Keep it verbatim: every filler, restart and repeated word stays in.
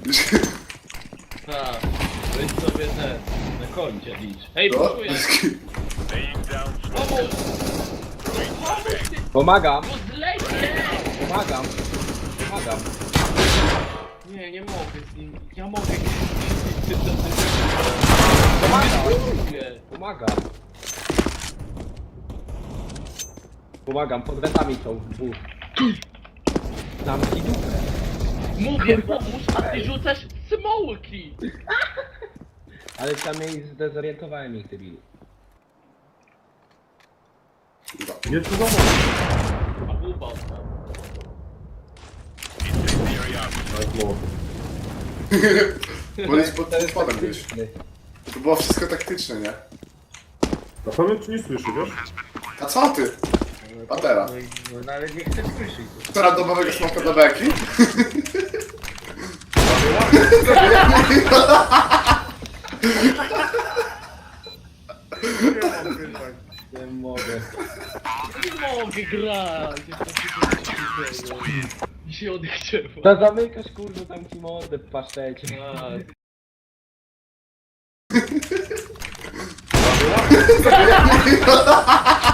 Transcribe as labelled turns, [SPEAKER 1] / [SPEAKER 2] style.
[SPEAKER 1] Tak, weź sobie ten, na koncie licz. Hej,
[SPEAKER 2] No,
[SPEAKER 1] poszuję! Pomóż! Pomóż ty,
[SPEAKER 3] Pomagam,
[SPEAKER 1] no zlecie!
[SPEAKER 3] pomagam, pomagam.
[SPEAKER 1] Nie, nie mogę z nim, ja mogę
[SPEAKER 3] Pomagam,
[SPEAKER 1] nie.
[SPEAKER 3] pomagam. Pomagam, pod wetami są dwóch. Tam ci dupę.
[SPEAKER 1] Mówię, pomóż, a ty rzucasz smołki!
[SPEAKER 3] Ale tam jej zdezorientowałem ich, debilu.
[SPEAKER 4] Nie tu za
[SPEAKER 1] A buba tam.
[SPEAKER 4] Tak, no.
[SPEAKER 2] Bo jest pod pod spodem gdzieś.
[SPEAKER 3] taktyczny.
[SPEAKER 2] To było wszystko taktyczne, nie?
[SPEAKER 4] Na pewno cię nie słyszy, wiesz?
[SPEAKER 2] A co ty? A teraz?
[SPEAKER 1] No, i- no nawet nie chcę słyszeć.
[SPEAKER 2] Która domowego smoka do beki?
[SPEAKER 3] Nie mogę.
[SPEAKER 1] Nie mogę grać! Mi się odechciało.
[SPEAKER 3] To zamykasz kurwa tam ci mordę w pasztecie.
[SPEAKER 1] Tak.